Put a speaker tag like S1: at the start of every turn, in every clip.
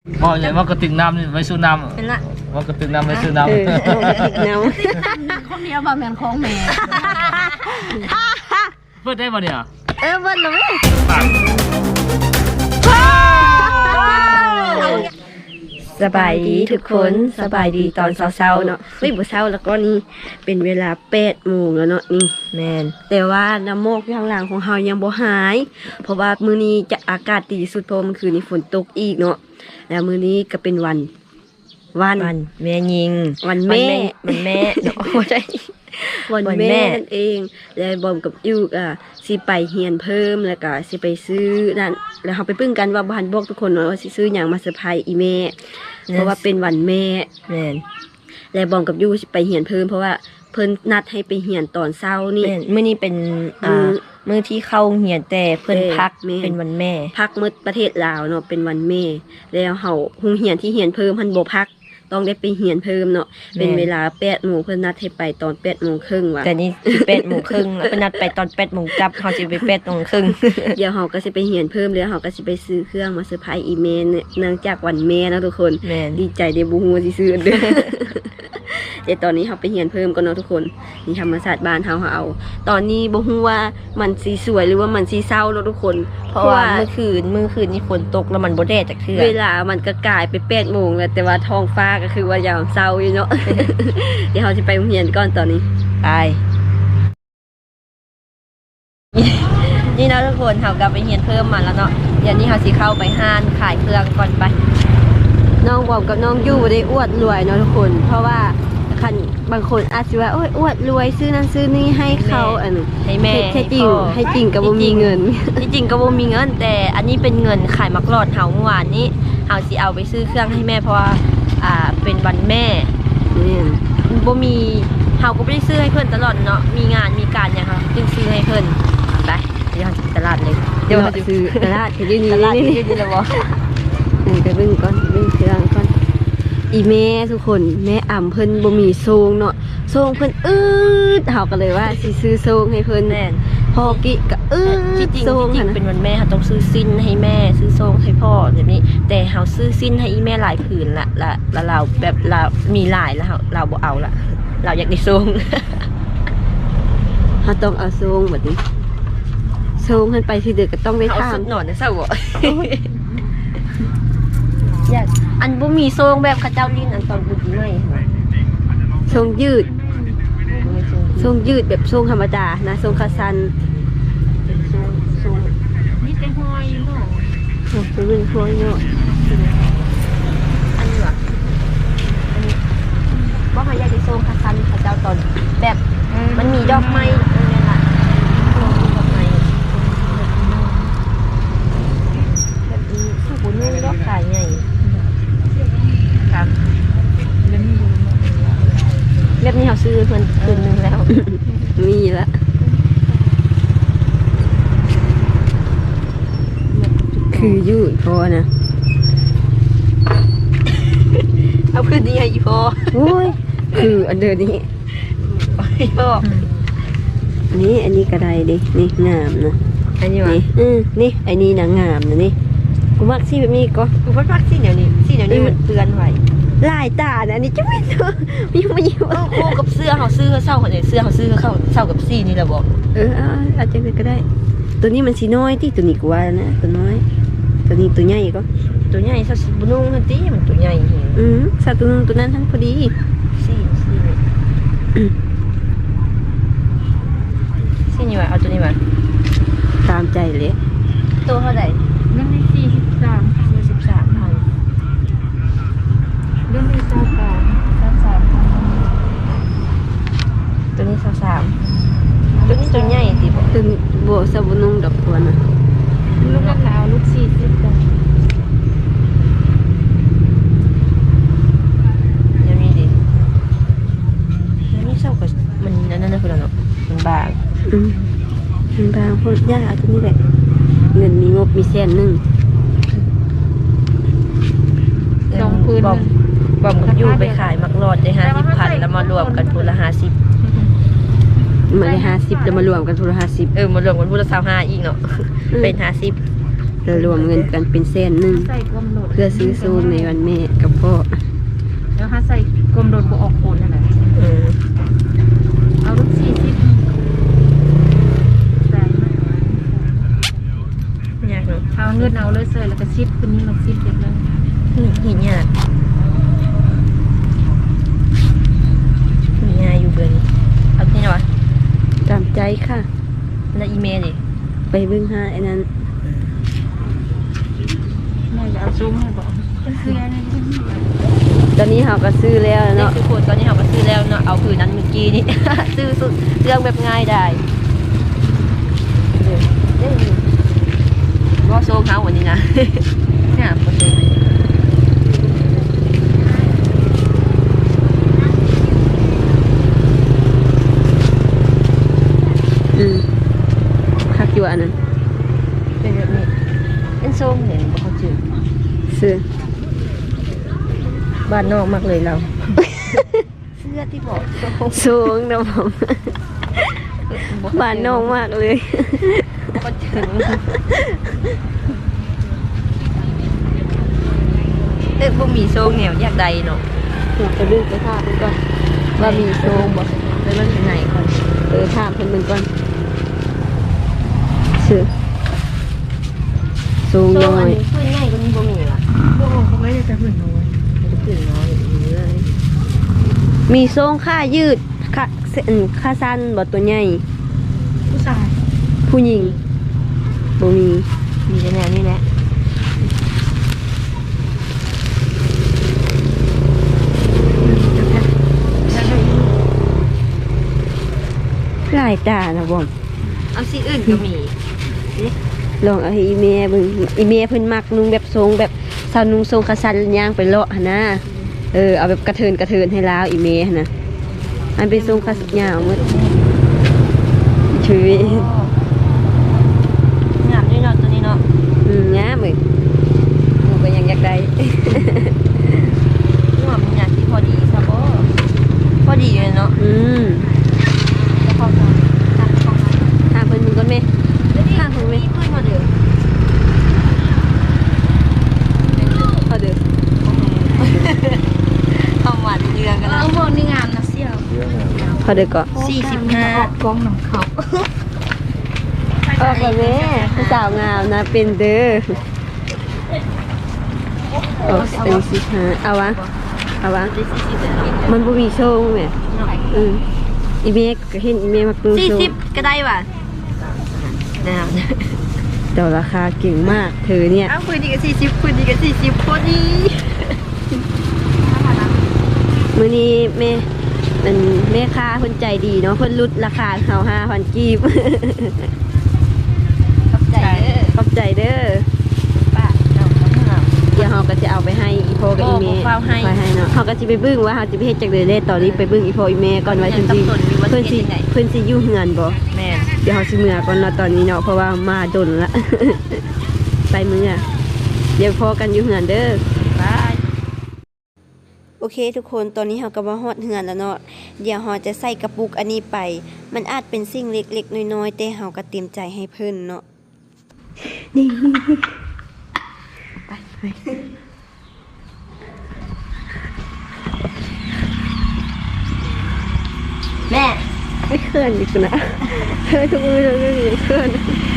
S1: บอกอย่างว่ากระติกน้ำนี่ไว้สู้น้ำ
S2: เป็นละ
S1: ว่ากระติกน้ำไว้สู้น้ำ
S3: กระติกน้ำ
S2: คนเดียวบ่แม่นของแม่
S1: เปิดได้ป่ะเนี่ย
S3: เบิ้ลเลย สบายดีทุกคนสบายดีตอนเช้าๆเนาะบ่เช้าแล้วก็นี่เป็นเวลา8 โมงแล้วเนาะนี่แมนแต่ว่าน้ำโมกข้างหลังของเฮายังบ่หาย เพราะว่ามื้อนี้จะอากาศดีสุดเพราะเมื่อคืนนี้ฝนตกอีกเนาะแล้วมื้อนี้ก็เป็นวัน
S4: แม่ยิง
S3: วันแม่
S4: วันแม่เนาะบ่ได้
S3: วันแม่นั่นเองแล้วบอมกับยูกสิไปเฮียนเพิ่มแล้วก็สิไปซื้อนั่นแล้วเราไปปึ้งกันว่าบ้านบอกทุกคนว่าสิซื้ออย่างมาเซอร์ไพรส์อีแม่เพราะว่าเป็นวันแม่
S4: แม่น
S3: แล้วบอมกับยูสิไปเฮียนเพิ่มเพราะว่าเพิ่นนัดให้ไปเฮียนตอนเช้านี่
S4: แม่นมื้อนี้เป็นมื้อที่เข้าเรียนแต่เพิ่นพักเป็นวันแม่
S3: พักมื้อประเทศลาวเนาะเป็นวันแม่แล้วเฮาโรงเรียนที่เฮียนเพิ่มเพิ่นบ่พักต้องได้ไปเฮียนเพิ่มเนาะเป็นเวลา8 โมงเพิ่นนัดให้ไปตอน8 โมงครึ่งว่ะ
S4: แต่นี่8 โมงครึ่งแล้วเพิ่นนัดไปตอน8 โมงกลับเฮาสิไป8 โมงครึ่ง
S3: เดี๋ยวเฮาก็สิไปเฮียนเพิ่มแล้วเฮาก็สิไปซื้อเครื่องมาเซอร์ไพรส์อีเมลเนี่ยเนื่องจากวันแม่นะทุกคน
S4: แม่น
S3: ดีใจได้บ่ฮู้ว่าสิซื้อเด้อ แต่ตอนนี้เฮาไปเฮียนเพิ่มก่อนเนาะทุกคนนี่ธรรมศาสตร์บ้านเฮาเอาตอนนี้บ่ฮู้ว่ามันสิสวยหรือว่ามันสิเศร้าเนาะทุกคน
S4: เพราะว่าเมื่อคืนนี่ฝนตกแล้วมันบ่แดดจักเทื่อ
S3: เวลามันก็กลายไป8 โมงแล้วแต่ว่าท้องฟ้าก็คือว่ายามเช้าอยู่เนาะ เดี๋ยวเฮาสิไปโรงเรียนก่อนตอนนี้
S4: ตาย นี่เนาะทุกคนเฮากลับไปเรียนเพิ่มมาแล้วเนาะเดี๋ยวนี้เฮาสิเข้าไปห้านขายเครื่องก่อนไป
S3: น้องบอมกับน้องยู่บ่ได้อวดรวยเนาะทุกคน เพราะว่าคันบางคนอาจสิว่าโอ้ยอวดรวยซื้อนั่นซื้อนี่ให้เขาอัน
S4: ให้แม่
S3: แท้จริง
S4: พ่อ
S3: ให้จริงก็บ่มีเงิน
S4: ที่จริงก็บ่มีเงินแต่อันนี้เป็นเงินขายมักรอดเฮาเมื่อวานนี้เฮาสิเอาไปซื้อเครื่องให้แม่เพราะว่าเป็นวันแม่
S3: นี่
S4: บ่มีเฮาก็บ่ได้ซื้อให้เพิ่นตลอดเนาะมีงานมีการหยังค่ะจึงซื้อให้เพิ่นไปเดี๋ยวเฮาสิไปตลาดเลย
S3: เดี๋ยวซื้อตลาดที่อยู่นี่
S4: ตลาด
S3: นี่
S4: ที่นี่แล้วบ่
S3: นี่ไปเบิ่งก่อนเบิ่งเครื่องก่อนอีแม่ทุกคนแม่อ่ำเพิ่นบ่มีโซงเนาะโซงเพิ่นเฮาก็เลยว่าสิซื้อโซงให้เพิ่น
S4: แม่น
S3: พ่อกิก็
S4: ที่จริง
S3: โซง
S4: ที่จริง
S3: หั่น
S4: เป็นวันแม่เฮาต้องซื้อสิ้นให้แม่ซื้อทรงให้พ่อแบบนี้ แต่เฮาซื้อสิ้นให้อีแม่หลายผืนละเราแบบเรามีหลายแล้วเราบ่เอาละเราอยากได้ทรง
S3: เฮาต้องเอาโซงบัดนี้โซงเพิ่นไปสิเด้อก็ต้องได้
S4: เอา
S3: ทา
S4: สุ
S3: ง
S4: ดหนอนนะเศร้าบ่ อยากอันบ่มีทรงแบบเขาเจ้าลิ้นอันตอนบุญไม่
S3: ทรงยืดทรงยืดแบบทรงธรรมดานะทรงคาซัน
S2: นี่เป็นห้อยเนาะ
S3: เป็นเรื่องพวกเนาะ
S4: อันนี้ว่ะอันนี้บ่เขาอยากได้ทรงคาซันเขาเจ้าตอนแบบมันมีดอกไม้นั่นแหละดอกไม้แบบนี้ถ้าบุญไม่ดอกขายใหญ่ครับแบบนี้เขาซื้อเพิ่นคืนนึงแล้ว
S3: มีละคือยืดพอนะ
S4: เอาคืนนี้ให้อีพอ
S3: โอ้ยคืออันเดิมนี้
S4: อีพอ
S3: อันนี้กระไดดินี่งามนะ
S4: อันนี้วะ
S3: นี่นี่ไอ้นี่นะงามนะนี่กูมักสิแบบนี้ก็
S4: กูพักซี่เดี๋ยวนี้มันเตือนไว้
S3: ลายตานะอันนี้จะไม่ตัวมีมาอยู่
S4: คู่กับเสื้อเขาซื้อเขาเศร้าเขาเนี่ยเสื้อเขาซื้อเขาเศร้ากับซี่นี่แหละบอก
S3: อาจจะก็ได้ ตัวนี้มันสีน้อยที่ตัวนี้กูว่านะตัวน้อย ตัวนี้ตัวใหญ่ก็
S4: ตัวใหญ่สักบุนุ่งทันทีมันตัวใหญ่เห็น
S3: สัตว์ตัวนึงตัวนั้นทั้งพอดี
S4: ซี่นี่วะเอาตัวนี้มา
S3: ตามใจเลย
S4: ตัวเท่าไหร่
S2: รุ่นที่
S4: 43,000
S2: รุ่นที่23
S4: ตัวนี้23ตัวนี้ตัวใหญ่ติบอก
S3: ตัวนี้โบสบุนุงดอกตัวน่ะ
S2: ลูกมะพร้าวลูก40จ้ะ
S4: ยังมีดิยังมีเศร้ากับมันนั่นนะคุณเนาะมันบาง
S3: มันบางพวกยากตัวนี้แหละเงินมีงบมีแสนหนึ่ง
S2: สองพื้น
S4: บอมกับยูไปขายมักรอดได้50,000แล้วมารวมกันพูละ50
S3: มาได้50แล้วมารวมกันทุละ50
S4: มารวมกันพูละ25อีกเนาะเป็น50
S3: แล้วรวมเงินกันเป็นแสนหนึง
S2: ใส่กลมโดด
S3: เพื่อซื้อซูมในวันแม่กับพ่อ
S2: แล้วถ้าใส่กลมโดดบ่ออกโคนนั่นแหละเอาลูก40ใส่มา
S4: อยากเนาะ
S2: เอาเงินเอาเลยเสยแล้วก็ซิปคนนี้มันซิปเด็ดเลย
S4: เห็นยากมียาอยู่เบอร์นี้เอาที่ไหนวะ
S3: ตามใจค่ะ
S4: แล้วอีเมลดิ
S3: ไปเบิ่งหาไอ้นั้น
S2: แม่จะเอาซุ้มให้บอกคืออะไร
S3: ตอนนี้เราก็ซื้อแล้ว
S4: นี่
S3: เนาะ
S4: คือคนตอนนี้เราก็ซื้อแล้วเนาะเอาคือนั้นเมื่อกี้นี่ ซื้อสุดเรื่องแบบง่ายได้ว่าโซ่เขาวันนี้นะ เนี่ยโปรโซ่
S3: คักอยู่อันนั้น
S4: เป็นแบบนี้เป็นโซ่เห็นบอกเขาจืด
S3: ซื้อ
S4: บ้านนอกมากเลยเรา เสื้อที่บอกโซ่
S3: สูงนะผมบานน้องมากเลย
S4: ก็ถึงบ่มีโซ่เหนียวอยากใดเนาะ
S3: อยากจะดึงไปท่าเพิ่นก่อนว่ามีโซงบ่
S4: แล้วมันเป็นไหนก่อน
S3: ท่าเพิ่นเบิ่งก่อนซื้อสูง
S4: โซ่
S3: น้อ
S4: อัน
S3: ย
S4: นี้ขึ้นง่ายกว่านี้บ่มีล่ะ
S2: โอ้เขาไม่ได้จะหื่นน้อย
S4: มันจะขึ้นน้อยอยู่เลย
S3: มีโซงค่ายืดค่าสั้นบ่ตัวใหญ่
S2: ผู้ชาย
S3: ผู้หญิงบ่มี
S4: มีแต่แนวนี้แหละ
S3: หลายตานะบ่
S4: เอาสีอื่นก็มี
S3: ลองเอาให้อีเมเบิ่งอีเมเพิ่นมักนุ่งแบบทรงแบบสาวนุ่งทรงขาสั้นย่างไปเลาะหั่นนะเอาแบบกระเทินให้ลาวอีเมหั่นนะมันเป็นทรงขาสั้นยาวหมดชีวิต
S4: งามด้วยเนาะตัวนี้เนาะ
S3: งามเลยหนูก็ยังอยากได้
S4: งามอยากที่พอดีซะบ่พอดีเลยเนาะ
S2: จะพอกันทางของนั้น
S3: ทางเพิ่นมึงก่อนแม่
S4: ทางคุณไม่ขึ้นมาเด้อ
S3: พอเด้อ
S4: เอาหวานเรืองกัน
S2: เอ
S4: นะ
S2: อพวกนี้งามนะเสี่ยว
S3: พอเด้อก็
S4: 45
S2: ออกกล้องหนังเขา
S3: ออกกับแม่ผู้สาวงามนะเป็นเด้อออกเป็น15เอาวะมันบ่มีโชว์แม่อีเมก็เห็นอีเมมักดูโชว์
S4: 40ก็ได้ว่ะนะครับ
S3: แต่ราคาเก่งมากเธอเนี่ย
S4: อ้าวคุณดีกับ40คุณดีกับ40พอดี
S3: มื้อนี้แม่ค้าเพิ่นใจดีเนาะเพิ่นลดราคาเฮา 5,000 กีบ
S4: ขอบใจเด้อ
S3: ขอบใจเด้อ
S4: ป้าเจ้าต้องหา
S3: เดี๋ยวเฮาก็จะเอาไปให้อีโพกับอีเม
S4: โอ้บ่ฟ้าวให้
S3: ไปให้เนาะเฮาก็สิไปเบิ่งว่าเฮาสิไปเฮ็ดจักเดเด้ตอนนี้ไปเบิ่งอีโพอีเมก่อนว่าเพิ่นสิ
S4: ยังสับสนอยู่ว่า
S3: เพิ่นสิ
S4: สิเฮ็ดจั่งใด
S3: เพิ่นสิอยู่เฮือนบ่
S4: แม่น
S3: เดี๋ยวเฮาสิเมื่อก่อนเนาะตอนนี้เนาะเพราะว่ามาดนละ ไปเมื่อเดี๋ยวพอกันอยู่เฮือนเด้อ
S4: บาย
S3: โอเคทุกคนตอนนี้เราก็มาฮอดเฮือนแล้วเนาะเดี๋ยวเราจะใส่กระปุกอันนี้ไป มันอาจเป็นสิ่งเล็กๆน้อยๆแต่เราก็เตรียมใจให้เพิ่นเนาะนี่ไป
S4: แม่
S3: ไม่เคลื่อนอีกนะเฮ้ยทุกมือเลยเคลื่อน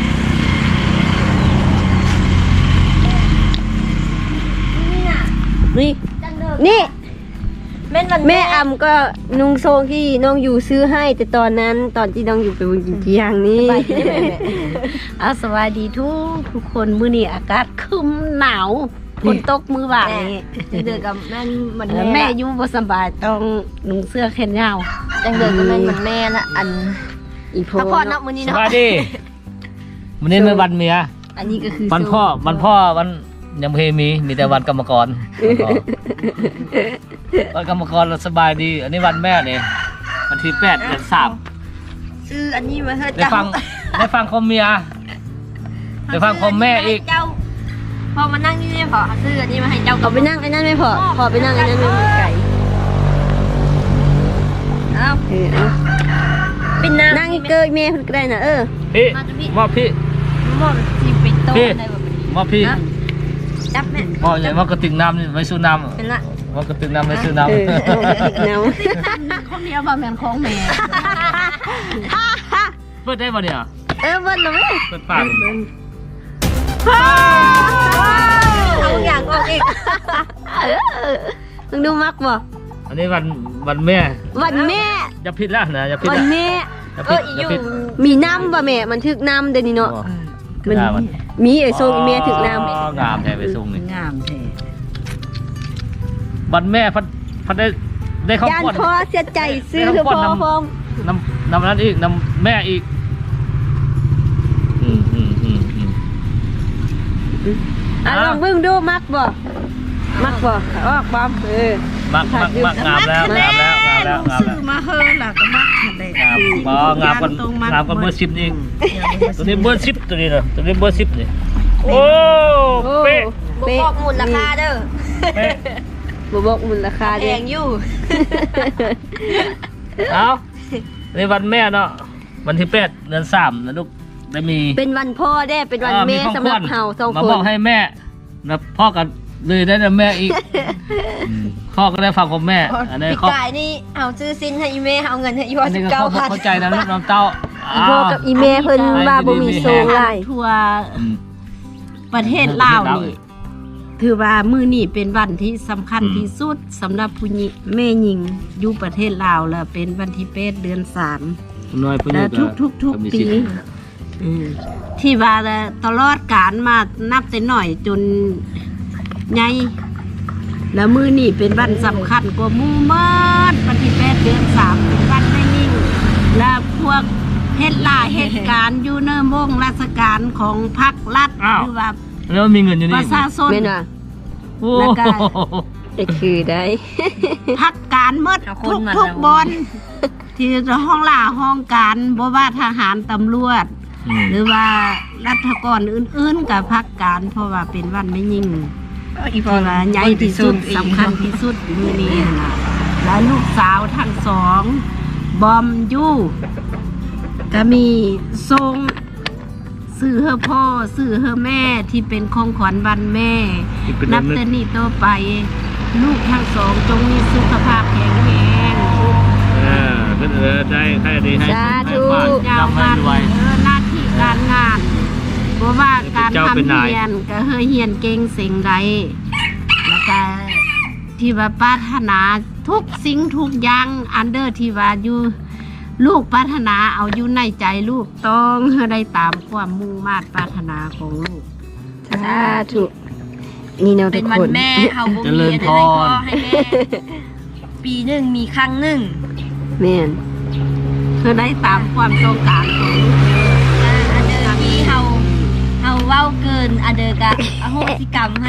S3: นี่นี่
S4: แม่นวัน
S3: แม่อำก็นุ่งโซงที่น้องอยู่ซื้อให้ แต่ตอนนั้นตอนที่น้องอยู่ไปบนกินที่อย่างนี้
S4: ไปที่ไหนแม่
S2: เอาสวัสดีทุกคนมื้อนี้อากาศครึ้มหนาวฝนตกมื้อบ่ายนี้
S4: เดือกับแม่นมัน
S2: แม่อยู่บ่สบายต้องนุ่งเสื้อแขนยาว
S4: จังเดือกับแม่นมันแม่ละอัน
S3: อีโพ
S4: พักผ่อนเนาะมื้อนี้
S1: ส
S4: เนาะ
S1: บายดีวันนี้เป็นวันเมีย
S4: อันนี้ก็คือ
S1: วันพ่อวันยังไม่เคยมีแต่วันกรรมกร วันกรรมกรเราสบายดี อันนี้วันแม่เนี่ยวันที่8 เดือน 3
S4: ซื้ออันนี้มาเฮ็ด
S1: ได้ฟังคมเมียได้ฟังคมแม่อีก
S4: เจ้าพอมานั่งนี่เนี่ยพอซื้ออันนี้มาให้เจ้า
S3: เอาไปนั่งไอ้นั่นไม่พอไปนั่งไอ้นั่นไม่มีไก่
S4: เอ้า
S3: เอา
S4: เป็นน้ำ
S3: นั่งเกยเมย์คนก็ได้นะ
S1: พี่
S4: มาจะพี่
S1: มอบพี่
S4: มอบที่เป็นโต๊ะ
S1: พี่
S4: อะไรแบบนี้
S1: ว่าพี่
S4: จับแม่
S1: ว่าอย่างว่ากระติกน้ำนี่ไว้ซื้อน้ำ
S4: เป็นละ
S1: ว่ากระติกน้ำไว้ซื้อน้ำ
S3: น้
S2: ของเดียวบ่แม่นของแม่
S1: เปิดได้ป่ะเนี่ย
S3: เบิ้ลเลย
S1: เปิดปาก
S4: เอาอย่างออกอีก
S3: มึงดูมักบ่
S1: อันนี้วันแม่
S3: วันแม่
S1: อย่าผิดแล้วนะอย่าผิด
S3: วัน
S1: นะ
S3: แม่
S1: อย่าผิดอย่าผิด
S3: มีน้ำบ่แม่มันถึกน้ำเดี๋ยวนี้เนาะ
S1: มัน
S3: มีไอ้ทรงแม่ถึกน้
S1: งามแท้ไปส่งนี่
S2: งามแท้
S1: วันแม่พัดได้ข้าว
S3: ำยาน
S1: ป้อน
S3: คอเสียใจซื้อคือพ่อพร้อม
S1: น้ำนั้นอีกน้ำแม่อีก
S3: ลองเบิ่งดูมักบ่มักบ่ออกบ่
S1: มักงามแล้ว
S2: มาเฮอล่ะก็มักหั่นแหละ
S1: งามกันเบอร์10นี่ตัวนี้เบอร์10ตัวนี้นะตัวนี้เบอร์10นี่โอ้เป๊ะ
S4: บ่บอกมูลราคาเด้อ
S1: เป๊ะ
S3: บ่บอกมูลค่า
S4: แพ
S3: เด้
S4: งอยู่
S1: เอาในวันแม่เนาะวันที่8 เดือน 3นะลูกได้มี
S3: เป็นวันพ่อเด้เป็นวันแม่สำหรับเฮาสอง
S1: มา
S3: ค
S1: บอน กให้แม่นะพ่อกันเลยได้นะแม่อีกพ่อก็ได้ฟังของแม่อันนี้
S4: ปี
S1: เขา
S4: กายนี่เอาซื้อซินให้อีเมเอาเงินให้อีว
S1: อันนี้ก็เขาเข้าใจนะลูกน้ำเต้า
S3: อีพ่อกับอีแม่เพิ่นว่าบ่มีโซงหลาย
S2: ทั่วประเทศลาวนี่ถือว่ามื้อนี้เป็นวันที่สำคัญที่สุดสำหรับผู้หญิงแม่หญิงอยู่ประเทศลาวแล้วเป็นวันที่8 เดือน 3
S1: น้อยผู้
S2: และ
S1: นี้
S2: ทุกปีที่ว่าตลอดการมานับแต่หน่อยจนใหญ่แล้วมื้อนี้เป็นวันสำคัญกว่าหมู่เมิดวันที่8 เดือน 3เป็นวันไม่นิ่งและพวกเฮ็ดล่าเหตุการณ์อยู่ในวงราชการของพรรครัฐหรือว่า
S1: แล้วมีเงินอยู่
S2: ป
S1: นี่
S2: ระชาชน
S3: แม่นว่า
S1: โอ้
S2: แล้วก็
S3: ได้คือได้
S2: พักการเมดทุกบอนที่ห้องล่าห้องการบ่ว่าทหารตำรวจ หรือว่ารัฐกรอื่นๆกับพักการเพราะว่าเป็นวันไม่ยิ่งที่ว่าใหญ่ที่สุดสำคัญที่สุดมื้อนี้น่ะและลูกสาวทั้งสองบอมยู่ก็มีทรงซื้อเฮอพ่อซื้อเฮอแม่ที่เป็นของขวัญวันแม่ นับแต่นี้ต่อไป ลูกทั้งสองจงมีสุขภาพแข็งแรง
S1: ได้ใครดีให้
S3: สาธุ
S2: ยาวมันหน้าที่การงานเพราะว่าการทำเรียนก็เฮยเฮียนเก่งสิ่งใดแล้วก็ที่ว่าปรารถนาทุกสิ่งทุกอย่างอันเดอร์ที่ว่าอยู่ลูกปรารถนาเอาอยู่ในใจลูกต้องเฮอได้ตามความมุ่งมา่ปรารถนาของลูก
S3: สาธุนี่เนาะ
S4: เป็
S3: ทุ
S4: น
S3: ก
S4: วัน
S3: คน
S4: แม่เฮาบ่มีอะไรให้พ่อให้แม่ปีหนึงมีครั้งหนึง
S3: แม่น
S2: เฮอได้ตามความต้องการของลูก
S4: อันเดอร์ที่เฮาเว้าเกินอันเดอร์ก็อโหสิกรรมให้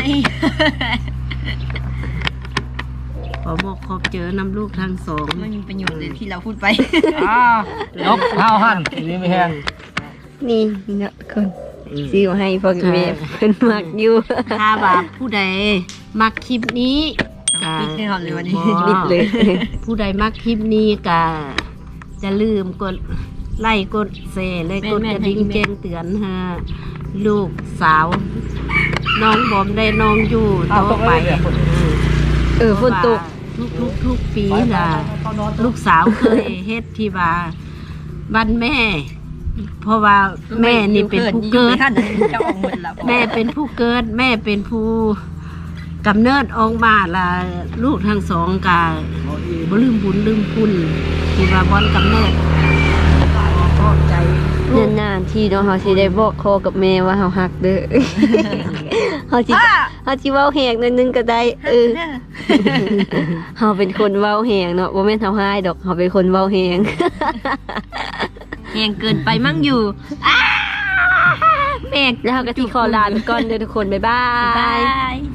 S2: ขอบอกขอบเจอนำลูกทั้งสอง
S4: มันมีประโยชน์เลยที่เราพูดไป
S1: ยกเท้าหั่นนี่ไม่แห้ง
S3: นี่เนาะทุกคนซื้อให้พ่อกับแม่เพิ่นมักอยู่
S2: ถ้าว่าผู้ใดมักคลิปนี้ก็
S4: ปิดให้ก่อนเลยวันนี้
S3: ปิดเลย
S2: ผู้ใดมักคลิปนี้ก็จะลืมกดไลค์กดแชร์และกดกระดิ่งแจ้งเตือนฮะลูกสาว น้องบอมได้น้องอยู่ต่อไป
S3: ฝนตก
S2: ทุกปีล่ะลูกสาวเคยเฮ็ดที่ว่าวันแม่ เพราะว่าแม่นี่เป็นผู้เกิด
S4: จะออกหมดแล้ว
S2: แม่เป็นผู้เกิด แม่เป็นผู้กำเนิดออกมาละลูกทั้งสองกาบ่ลืมบุญลืมคุณที่ว่าบอนกำเนิดขอบใจ
S3: นานๆที่เนาะเฮาสิได้บอกคอกับแม่ว่าเฮาฮักเด้อ เฮาสิเว้าแหกหน่อยนึงก็ได้เฮาเป็นคนเว้าแหงเนาะบ่แม่นเฮาหายดอกเฮาเป็นคนเว้าแหง
S4: แหงเกินไปมั่งอยู่แม่
S3: แล้วเฮาก็สิขอลาไปก่อนเด้อทุกคนบ๊ายบา
S4: บาย ย